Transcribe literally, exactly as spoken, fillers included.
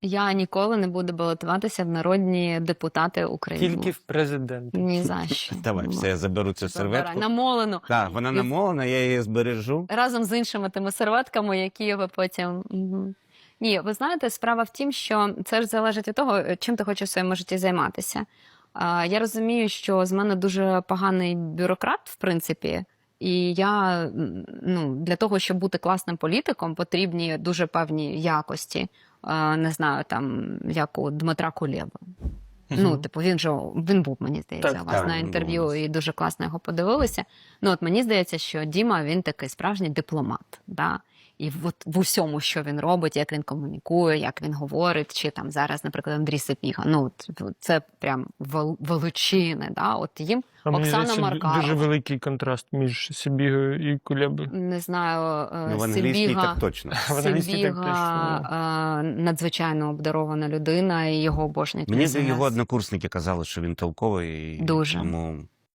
Я ніколи не буду балотуватися в народні депутати України. Тільки в президенти. Ні за що. Давай, все, я заберу цю Забирай. серветку. Намолену. Так, вона І- намолена, я її збережу. Разом з іншими тими серветками, які ви потім... Мгм. Ні, ви знаєте, справа в тім, що це ж залежить від того, чим ти хочеш в своєму житті займатися. А, Я розумію, що з мене дуже поганий бюрократ, в принципі, і я, м, ну, для того, щоб бути класним політиком, потрібні дуже певні якості. А, Не знаю, там, як у Дмитра Кулєва. Ну, типу, він же, він був, мені здається, Так, у вас так, на він був у інтерв'ю, нас. і дуже класно його подивилися. Ну, от мені здається, що Діма, він такий справжній дипломат, да? І от в усьому, що він робить, як він комунікує, як він говорить, чи там зараз, наприклад, Андрій Сапіга, ну, от, це прям вел- величини, да? От їм А мені Оксана здається, ду- Маркарова. дуже великий контраст між Сибігою і Кулебою. Не знаю, е, Ну, в англійській Сибіга... так точно. В англійській так Сибіга е, надзвичайно обдарована людина, і його обожнюють. Мені на здається, його ес ен ес. однокурсники казали, що він толковий. і Дуже. Тому